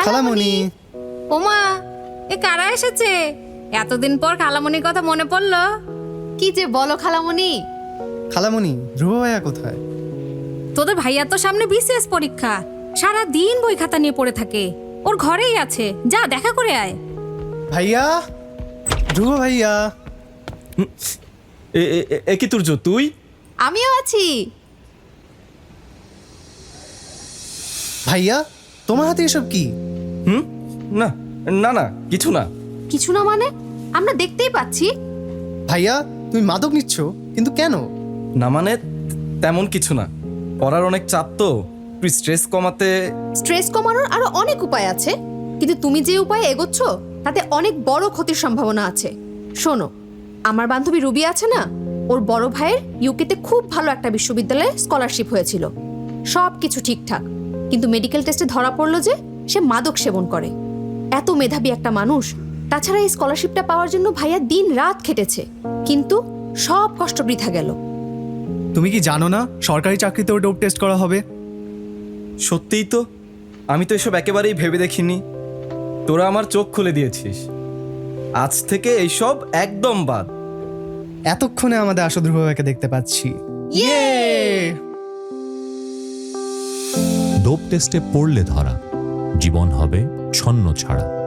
খালামণি। ওমা, এ কারা এসেছে? এতদিন পর খালামণির কথা মনে পড়লো। কি যে বলো খালামণি। খালামণি, ধ্রুব ভাইয়া কোথায়? তোদের ভাইয়া তো সামনে বিসিএস পরীক্ষা, সারা দিন বই খাতা নিয়ে পড়ে থাকে। ওর ঘরেই আছে, যা দেখা করে আয়। ভাইয়া, ধ্রুব ভাইয়া। এ কি তুর্য, তুই? আমিও আছি। ভাইয়া, তোমার হাতে এসব কি? না না না, কিছু না। কিছু না মানে? আমরা দেখতেই পাচ্ছি। ভাইয়া, তুমি মাদক নিচ্ছ, কিন্তু কেন? না মানে তেমন কিছু না, পড়ার অনেক চাপ তো, তুই স্ট্রেস কমাতে। স্ট্রেস কমানোর আরো অনেক উপায় আছে, কিন্তু তুমি যে উপায়ে এগোচ্ছ তাতে অনেক বড় ক্ষতির সম্ভাবনা আছে। শোনো, আমার বান্ধবী রুবি আছে না, ওর বড় ভাইয়ের ইউকেতে খুব ভালো একটা বিশ্ববিদ্যালয়ে স্কলারশিপ হয়েছিল, সব কিছু ঠিকঠাক, কিন্তু মেডিকেল টেস্টে ধরা পড়লো যে সে মাদক সেবন করে। এত মেধাবী একটা মানুষ, তাছাড়া এই স্কলারশিপটা পাওয়ার জন্য ভাইয়া দিন রাত খেটেছে, কিন্তু সব কষ্ট বৃথা গেল। তুমি কি জানো না সরকারি চাকরিতেও ডোপ টেস্ট করা হবে? সত্যিই তো, আমি তো এসব একেবারেই ভেবে দেখিনি। তোরা আমার চোখ খুলে দিয়েছিস, আজ থেকে এইসব একদম বাদ। এতক্ষণে আমাদের আসল ধ্রুব ভাইকে দেখতে পাচ্ছি। ডোপ টেস্টে পড়লে ধরা, জীবন হবে ছন্ন ছাড়া।